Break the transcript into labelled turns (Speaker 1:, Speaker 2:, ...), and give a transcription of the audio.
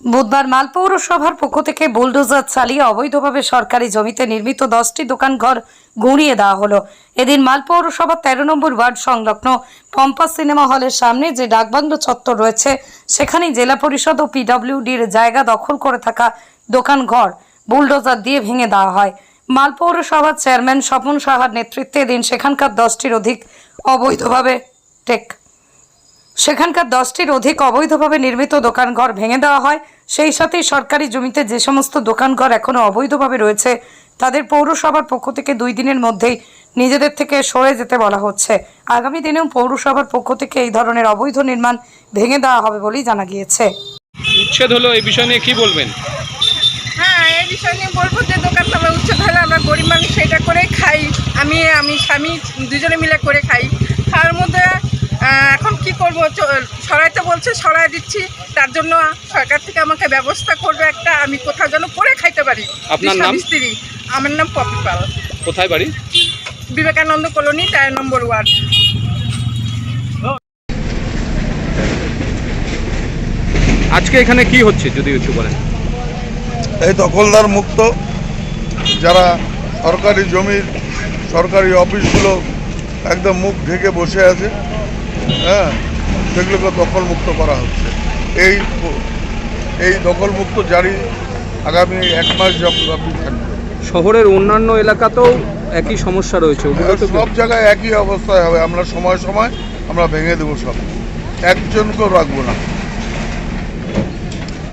Speaker 1: বুধবার মাল পৌরসভার পক্ষ থেকে বুলডোজার চালিয়ে অবৈধভাবে সরকারি জমিতে নির্মিত 10টি দোকানঘর গুঁড়িয়ে দেওয়া হলো। এদিন মাল পৌরসভার 13 নম্বর ওয়ার্ড সংলগ্ন পম্পা সিনেমা হলের সামনে যে ডাকবাংলো চত্বর রয়েছে সেখানেই জেলা পরিষদ ও পিডব্লিউডির জায়গা দখল করে থাকা দোকানঘর বুলডোজার দিয়ে ভেঙে দেওয়া হয়। মাল পৌরসভার চেয়ারম্যান স্বপন সাহার নেতৃত্বে এদিন সেখানকার 10টির অধিক অবৈধভাবে নির্মিত দোকানঘর ভেঙে দেওয়া হয়। সেই সাথে সরকারি জমিতে যে সমস্ত দোকানঘর এখনো অবৈধভাবে রয়েছে তাদের পৌরসভার পক্ষ থেকে 2 দিনের মধ্যেই নিজেদের থেকে সরে যেতে বলা হচ্ছে। আগামী দিনেও পৌরসভার পক্ষ থেকে এই ধরনের অবৈধ নির্মাণ ভেঙে দেওয়া হবে বলেই জানা গিয়েছে।
Speaker 2: উচ্ছেদ হলো, এই বিষয় নিয়ে কি বলবেন?
Speaker 3: হ্যাঁ, এই বিষয় নিয়ে বলবো যে দোকানটা আমরা উচ্ছেদ হলে আমরা গরিব মানুষ সেটা করেই খাই। আমি স্বামী দুজনে মিলে করে খাই। তার মধ্যে এখন কি করব, সরাইতে বলছে সরাই দিচ্ছি। তার জন্য সরকার থেকে আমাকে ব্যবস্থা করবে একটা, আমি কোথাও যেন করে খাইতে পারি।
Speaker 2: আপনার নাম?
Speaker 3: স্ত্রী। আমার নাম পপি পাল।
Speaker 2: কোথায় বাড়ি?
Speaker 3: বিবেকানন্দ কলোনি, 13 নম্বর ওয়ার্ড।
Speaker 2: আজকে এখানে কি হচ্ছে যদি একটু বলেন?
Speaker 4: এই দখলদার মুক্ত যারা সরকারি জমির সরকারি অফিসগুলো একদম মুখ ঢেকে বসে আছে, হ্যাঁ, সেগুলোকে দখলমুক্ত করা হচ্ছে। এই দখলমুক্ত জারি আগামী 1 মাস ব্যাপী থাকবে।
Speaker 2: শহরের অন্যান্য এলাকাতেও একই সমস্যা রয়েছে,
Speaker 4: সব জায়গায় একই অবস্থায় হবে। আমরা সময় সময় আমরা ভেঙে দেবো, সব একজনকেও রাখবো না।